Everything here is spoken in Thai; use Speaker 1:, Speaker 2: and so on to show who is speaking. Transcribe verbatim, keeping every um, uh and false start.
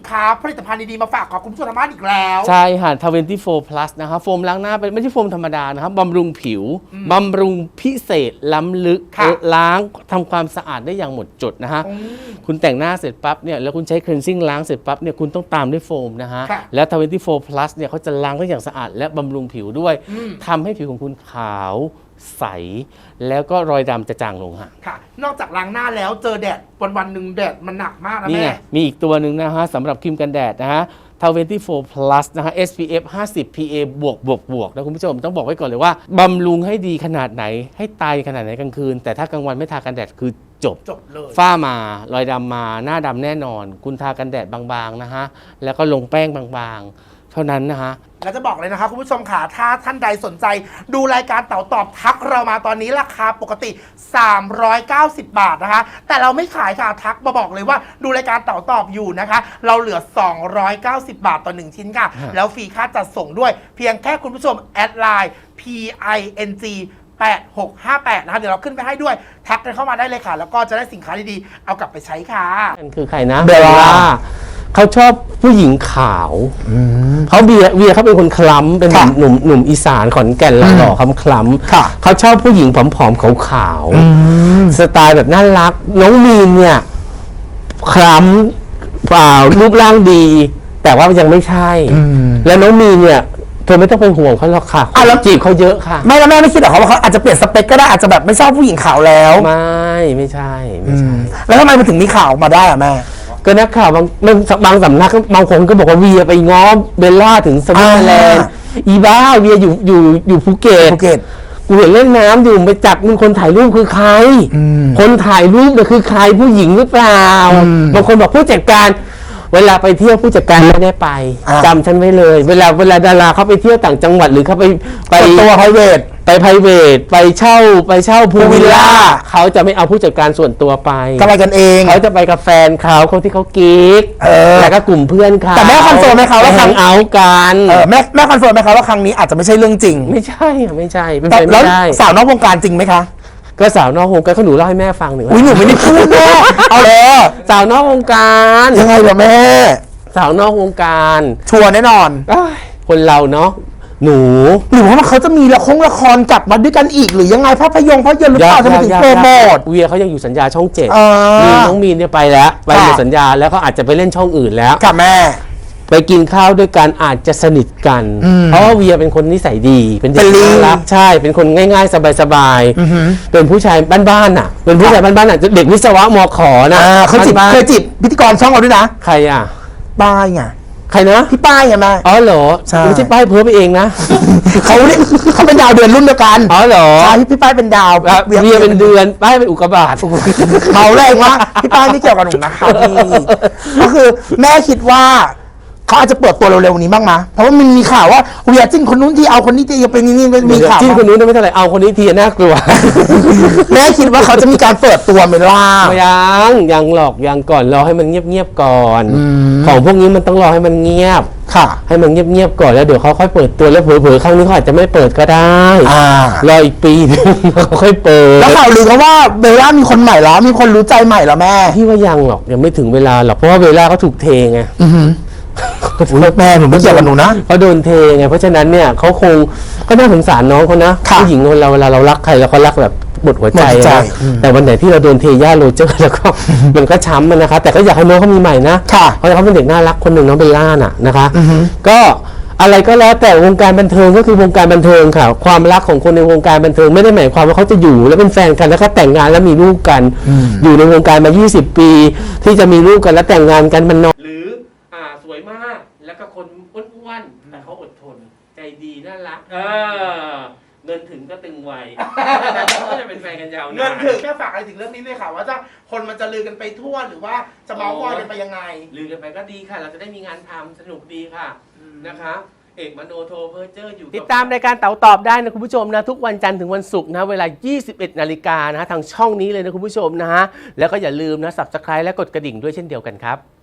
Speaker 1: ค้าผลิตภัณฑ์ดีๆมาฝากขอบคุณผู้ชมทางบ้านอีกแล้ว
Speaker 2: ใช่ค่ะทเวนตี้โฟร์ plus นะคะโฟมล้างหน้าเป็นไม่ใช่โฟมธรรมดานะครับบำรุงผิวบำรุงพิเศษล้ำลึกล้างทำความสะอาดได้อย่างหมดจดนะฮะคุณแต่งหน้าเสร็จปั๊บเนี่ยแล้วคุณใช้ cleansing ล้างเสร็จปั๊บเนี่ยคุณต้องตามด้วยโฟมนะฮะแล้วทเวนตี้โฟร์ plus เนี่ยเขาจะล้างได้อย่างสะอาดและบำรุงผิวด้วยทำให้ผิวของคุณขาวใสแล้วก็รอยดำจะจางลงฮะ
Speaker 1: ค่ะนอกจากล้างหน้าแล้วเจอแดดวันวันหนึ่งแดดมันหนักมากนะแม่
Speaker 2: มีอีกตัวหนึ่งนะฮะสำหรับครีมกันแดดนะฮะทเวนตี้โฟร์ plus นะฮะ เอส พี เอฟ ห้าสิบ พี เอ บวกบวกบวกนะคุณผู้ชมต้องบอกไว้ก่อนเลยว่าบำรุงให้ดีขนาดไหนให้ตายขนาดไหนกลางคืนแต่ถ้ากลางวันไม่ทากันแดดคือจบ
Speaker 1: จบเลย
Speaker 2: ฝ้ามารอยดำมาหน้าดำแน่นอนคุณทากันแดดบางๆนะฮะแล้วก็ลงแป้งบางๆเท่านั้นนะฮะ
Speaker 1: แล้วจะบอกเลยนะคะคุณผู้ชมค่ะถ้าท่านใดสนใจดูรายการเต่าตอบทักเรามาตอนนี้ราคาปกติสามร้อยเก้าสิบบาทนะคะแต่เราไม่ขายค่ะทักมาบอกเลยว่าดูรายการเต่าตอบอยู่นะคะเราเหลือสองร้อยเก้าสิบบาทต่อหนึ่งชิ้นค่ะแล้วฟรีค่าจัดส่งด้วยเพียงแค่คุณผู้ชมแอดไลน์ พี ไอ เอ็น จี แปดหกห้าแปดนะคะเดี๋ยวเราขึ้นไปให้ด้วยทักกันเข้ามาได้เลยค่ะแล้วก็จะได้สินค้าดีๆเอากลับไปใช้ค่ะ
Speaker 2: นั่นคือใครนะเบลล่าเขาชอบผู้หญิงขาวเขาเบียเวียเขาเป็นคนคล้ำเป็นหนุ่มหนุ่มอีสานขอนแก่นหล่อๆคล้ำคล้ำเขาชอบผู้หญิงผอมๆขาวๆสไตล์แบบน่ารักน้องมีนเนี่ยคล้ำเปล่ารูปร่างดี แต่ว่ายังไม่ใช่แล้วน้องมีนเนี่ยเธอไม่ต้องเป็นห่วงเขาหรอกค่ะอ่ะแล้วจีบเขาเยอะค่ะ
Speaker 1: ไม่แล้วแม่ไม่คิดหรอเขาว่าเขาอาจจะเปลี่ยนสเปคก็ได้อาจจะแบบไม่ชอบผู้หญิงขาวแล้ว
Speaker 2: ไม่ไม่ใช่ไม่ใช่
Speaker 1: แล้วทำไมมันถึงมีข่าวมาได้อะแม่
Speaker 2: ก็นักข่าวบางบางสำนักบางคนก็บอกว่าเวียไปง้อเบลล่าถึงสวิตเซอร์แลนด์อีบ้าเวียอยู่อยู่อยู่ภูเก็ต
Speaker 1: ภูเก็ต
Speaker 2: กูเห็นเล่นน้ำอยู่ไปจับมึงคนถ่ายรูปคือใครคนถ่ายรูปเนี่ยคือใครผู้หญิงหรือเปล่าบางคนบอกผู้จัดการเวลาไปเที่ยวผู้จัดการไม่ได้ไปจำฉันไว้เลยเวลาเวลาดาราเขาไปเที่ยวต่างจังหวัดหรือเขาไปไป
Speaker 1: ตัวไพรเวท
Speaker 2: ไปไพรเวทไปเช่าไปเช่าพูลวิลล่าเขาจะไม่เอาผู้จัดการส่วนตัวไป
Speaker 1: ก็ไปกันเอง
Speaker 2: เขาจะไปกับแฟนเขาคนที่เขากิ๊กแล้วก็กลุ่มเพื่อนเขา
Speaker 1: แต่แม่คอนเฟิร์มไหมคะว่า
Speaker 2: ครั้งเอากัน
Speaker 1: แม่แม่คอนเฟิร์มไหมคะว่าครั้งนี้อาจจะไม่ใช่เรื่องจริง
Speaker 2: ไม่ใช่ไม่ใช่เป็นไปไม่ได้
Speaker 1: สาวนอกวงการจริงไหมคะ
Speaker 2: ก็สาวนอกวงการเขาหนูเล่าให้แม่ฟังหนึ่ง
Speaker 1: อุ้ยหนูไม่ได้พูดแม่เอาเลย
Speaker 2: สาวนอกวงการ
Speaker 1: ยังไงล่ะแม่
Speaker 2: สาวนอกวงการ
Speaker 1: ชัวร์แน่นอน
Speaker 2: คนเราเนาะหนู
Speaker 1: หรือว่าเขาจะมีละครละครกลับมาด้วยกันอีกหรือยังไงภาพยนตร์ภาพยนตร์หรือเปล่าจะมาถึงโปรโมท
Speaker 2: เวียเขายังอยู่สัญญาช่องเจ็ดมีน้องมีนเนี่ยไปแล้วไปหมดสัญญาแล้วเขาอาจจะไปเล่นช่องอื่นแล้ว
Speaker 1: ค่ะแม่
Speaker 2: ไปกินข้าวด้วยกันอาจจะสนิทกันเพราะว่าเวียเป็นคนนิสัยดีเป็นเด็กน่ารักใช่เป็นคนง่ายๆสบายๆเป็นผู้ชายบ้านๆน่ะเป็นผู้ชายบ้านๆน่ะเด็กวิศวะมขนะ
Speaker 1: เขาจีบเคยจีบพิธีกรช่องเราด้วยนะ
Speaker 2: ใครอ่ะ
Speaker 1: ป้ายไง
Speaker 2: ใครนะ
Speaker 1: พี่ป้ายไงแม่
Speaker 2: อ๋อเหรอไม่ใช่ป้ายเพ้อไปเองนะ
Speaker 1: เขาเนี่ยเขาเป็นดาวเดือนรุ่นเดียวกัน
Speaker 2: อ๋อเหรอ
Speaker 1: ใช่พี่ป้ายเป็นดาว
Speaker 2: เวียเป็นเดือนป้ายเป็นอุกกาบาต
Speaker 1: เมาแรงวะพี่ป้ายไม่เกี่ยวกับหนูนะคะก็คือแม่คิดว่าเขาอาจจะเปิดตัวเร็วๆนี้บ้างมั้ยเพราะว่ามันมีข่าวว่าเวียจิ้นคนนู้นที่เอาคนนี้ที่เป็นนี่มีข่าว
Speaker 2: จิ้นคนนู้นไม่เท่าไหร่เอาคนนี้ทีน่ากลัว
Speaker 1: แม่คิดว่าเขาจะมีการเปิดตัวไหมล่ะ
Speaker 2: ยังยังหรอกยังก่อนรอให้มันเงียบๆก่อนของพวกนี้มันต้องรอให้มันเงียบ
Speaker 1: ค่ะ
Speaker 2: ให้มันเงียบๆก่อนแล้วเดี๋ยวเขาค่อยเปิดตัวแล้วเผลอๆครั้งนี้เขาอาจจะไม่เปิดก็ได้รออีกปีนึงเขาค่อยเปิด
Speaker 1: แล้วข่าวลือเขาว่าเบลล่ามีคนใหม่แล้วมีคนรู้ใจใหม่แล้วแม่
Speaker 2: พี่ว่ายังหรอกยังไม่ถึงเวลาหรอกเพราะว่าเบลล่าเขาถูกเทไง
Speaker 1: แม่หนูไม่เกี่ยวกับหนูนะ
Speaker 2: เขาโดนเทไงเพราะฉะนั้นเนี่ยเขาคงก็น่าสงสารน้องเขานะผู้หญิงคนเราเวลาเรารักใครแล้วเขารักแบบหมดหัวใจนะแต่วันไหนที่เราโดนเทย่าโรเจอร์แล้วก็มันก็ช้ำมันนะคะแต่ก็อยากให้น้องเขามีใหม่นะเพราะเขาเป็นเด็กน่ารักคนหนึ่งน้องเบลล่าน่ะนะคะก็อะไรก็แล้วแต่วงการบันเทิงก็คือวงการบันเทิงค่ะความรักของคนในวงการบันเทิงไม่ได้หมายความว่าเขาจะอยู่แล้วเป็นแฟนกันแล้วก็แต่งงานแล้วมีลูกกันอยู่ในวงการมายี่สิบปีที่จะมีลูกกันแล้วแต่งงานกันมันน้อยหรืออ่าสวยมากแล้วก็คนอ้วนๆแต่เขาอดทนใจดีน่ารักเออเงินถึงก็ตึงไวก็จะเป็นแฟนกันยาวนาน
Speaker 1: เงินถึงแค่ฝากอะไรถึงเรื่องนี้เลยค่ะว่าจะคนมันจะลือกันไปทั่วหรือว่าจะเมาส์มอยกันไปยังไง
Speaker 2: ลือกันไปก็ดีค่ะเราจะได้มีงานทำสนุกดีค่ะนะคะเอกมโนโทเพอร์เจอร์อยู่ติดตามรายการเต๋าตอบได้นะคุณผู้ชมนะทุกวันจันทร์ถึงวันศุกร์นะเวลายี่สิบเอ็ดนาฬิกานะทางช่องนี้เลยนะคุณผู้ชมนะฮะแล้วก็อย่าลืมนะ ซับสไครบ์ และกดกระดิ่งด้วยเช่นเดียวกันครับ